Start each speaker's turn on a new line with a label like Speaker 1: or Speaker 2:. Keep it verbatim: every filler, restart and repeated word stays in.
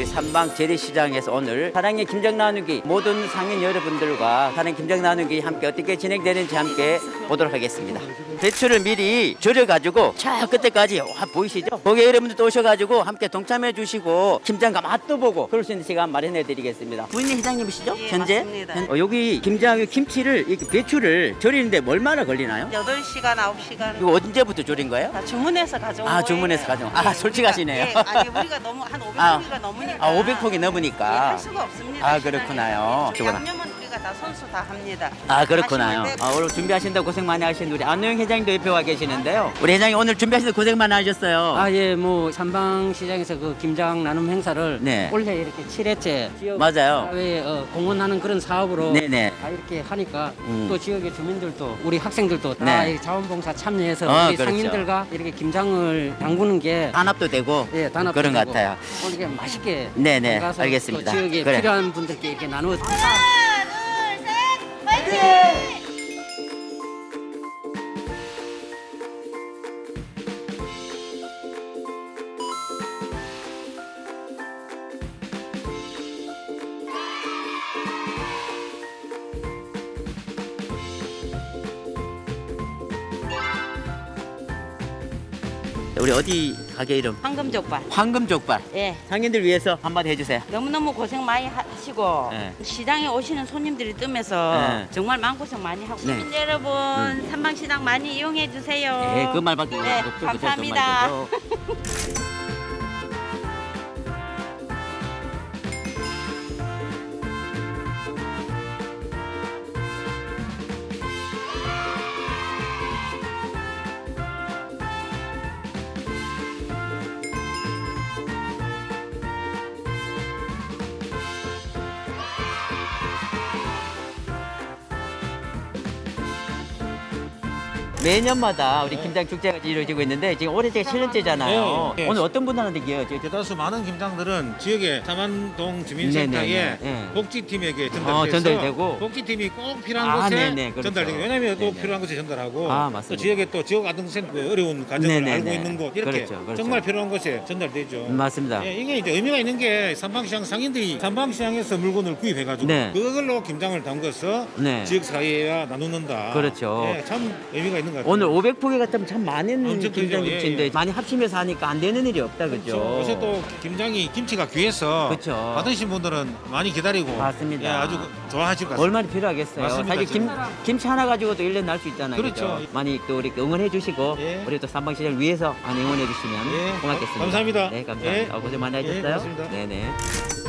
Speaker 1: 우리 삼방 재래시장에서 오늘 사랑의 김장 나누기 모든 상인 여러분들과 사랑의 김장 나누기 함께 어떻게 진행되는지 함께 보도록 하겠습니다. 배추를 미리 절여가지고 저 끝에까지 와, 보이시죠? 거기 여러분들도 오셔가지고 함께 동참해 주시고 김장과 맛도 보고 그럴 수 있는 시간 마련해 드리겠습니다. 부인님 회장님이시죠?
Speaker 2: 예,
Speaker 1: 현재?
Speaker 2: 맞습니다.
Speaker 1: 현- 어, 여기 김장 김치를 이렇게 배추를 절이는데 얼마나 걸리나요?
Speaker 2: 여덟 시간, 아홉 시간
Speaker 1: 이거 언제부터 절인 거예요?
Speaker 2: 다 주문해서 가져온
Speaker 1: 아,
Speaker 2: 거예요.
Speaker 1: 주문해서 가져온- 아,
Speaker 2: 예,
Speaker 1: 솔직하시네요.
Speaker 2: 우리가, 예, 아니 우리가 너무 한
Speaker 1: 아,
Speaker 2: 오백 포기가 넘으니까
Speaker 1: 아, 오백 포기
Speaker 2: 예,
Speaker 1: 넘으니까.
Speaker 2: 할 수가 없습니다.
Speaker 1: 아,
Speaker 2: 시간이.
Speaker 1: 그렇구나요.
Speaker 2: 예,
Speaker 1: 저거나.
Speaker 2: 양념은 우리가 다 손수 다 합니다.
Speaker 1: 아, 그렇구나요.
Speaker 2: 하시면 돼.
Speaker 1: 아, 오늘 준비하신다고 고생 많이 하신 우리 안노영 회장님도 옆에 와 계시는데요. 우리 회장님 오늘 준비하시는데 고생 많이 하셨어요.
Speaker 3: 아, 예, 뭐 삼방시장에서 그 김장 나눔 행사를
Speaker 1: 네.
Speaker 3: 올해 이렇게 칠 회째 지역
Speaker 1: 맞아요.
Speaker 3: 사회에 어, 공헌하는 그런 사업으로
Speaker 1: 네네.
Speaker 3: 다 이렇게 하니까
Speaker 1: 음.
Speaker 3: 또 지역의 주민들도 우리 학생들도 다
Speaker 1: 네.
Speaker 3: 이 자원봉사 참여해서
Speaker 1: 어,
Speaker 3: 우리
Speaker 1: 그렇죠.
Speaker 3: 상인들과 이렇게 김장을 담그는 게
Speaker 1: 단합도 되고
Speaker 3: 예, 단합도
Speaker 1: 그런 것
Speaker 3: 되고
Speaker 1: 같아요.
Speaker 3: 오늘 이렇게 맛있게
Speaker 1: 네네,
Speaker 3: 담가서
Speaker 1: 알겠습니다.
Speaker 3: 또 지역에
Speaker 1: 그래.
Speaker 3: 필요한 분들께 이렇게 나누어
Speaker 1: 우리 어디 가게 이름?
Speaker 2: 황금족발.
Speaker 1: 황금족발.
Speaker 2: 예.
Speaker 1: 상인들 위해서 한마디 해주세요.
Speaker 2: 너무너무 고생 많이 하시고
Speaker 1: 네.
Speaker 2: 시장에 오시는 손님들이 뜨면서
Speaker 1: 네.
Speaker 2: 정말 마음고생 많이 하고
Speaker 1: 네.
Speaker 2: 시민 여러분 삼방시장 많이 이용해 주세요.
Speaker 1: 예, 그 말밖에
Speaker 2: 네,
Speaker 1: 없죠. 그죠?
Speaker 2: 감사합니다.
Speaker 1: 정말 그죠? 매년마다 우리 김장 축제가 이루어지고 있는데 지금 올해 제가 칠 년째잖아요.
Speaker 4: 네, 네.
Speaker 1: 오늘 어떤 분들한테 기여죠?
Speaker 4: 대다수 많은 김장들은 지역의 삼안동 주민센터에
Speaker 1: 네네네, 네.
Speaker 4: 복지팀에게 전달돼서
Speaker 1: 어, 전달되고.
Speaker 4: 복지팀이 꼭 필요한
Speaker 1: 아,
Speaker 4: 곳에
Speaker 1: 네네, 그렇죠.
Speaker 4: 전달되고 왜냐하면 꼭
Speaker 1: 네네.
Speaker 4: 필요한 곳에 전달하고
Speaker 1: 아,
Speaker 4: 또
Speaker 1: 맞습니다.
Speaker 4: 지역에 또 지역 아동센터 어려운 가정을
Speaker 1: 네네네.
Speaker 4: 알고 있는 곳 이렇게
Speaker 1: 그렇죠, 그렇죠.
Speaker 4: 정말 필요한 곳에 전달되죠.
Speaker 1: 맞습니다.
Speaker 4: 예, 이게 이제 의미가 있는 게 삼방시장 상인들이 삼방시장에서 물건을 구입해가지고
Speaker 1: 네.
Speaker 4: 그걸로 김장을 담궈서
Speaker 1: 네.
Speaker 4: 지역 사회와 나누는다.
Speaker 1: 그렇죠.
Speaker 4: 예, 참 의미가 있는 것 같아요.
Speaker 1: 오늘 오백 포기 같으면 참 많은
Speaker 4: 엄청 크죠.
Speaker 1: 김장
Speaker 4: 예,
Speaker 1: 김치인데
Speaker 4: 예.
Speaker 1: 많이 합치면서 하니까 안 되는 일이 없다 그죠?
Speaker 4: 그렇죠. 요새 또 김장이 김치가 귀해서
Speaker 1: 그렇죠.
Speaker 4: 받으신 분들은 많이 기다리고
Speaker 1: 맞습니다.
Speaker 4: 예, 아주 좋아하실 것 같습니다.
Speaker 1: 얼마나 필요하겠어요.
Speaker 4: 맞습니다,
Speaker 1: 사실 김,
Speaker 4: 진짜.
Speaker 1: 김치 하나 가지고도 일 년 날 수 있잖아요.
Speaker 4: 그렇죠.
Speaker 1: 그죠? 많이 또 우리 응원해 주시고
Speaker 4: 예.
Speaker 1: 우리 또 삼방시장을 위해서 많이 응원해 주시면
Speaker 4: 예.
Speaker 1: 고맙겠습니다.
Speaker 4: 감사합니다.
Speaker 1: 네, 감사합니다.
Speaker 4: 예.
Speaker 1: 어, 고생 많이
Speaker 4: 예,
Speaker 1: 하셨어요.
Speaker 4: 고맙습니다.
Speaker 1: 네네.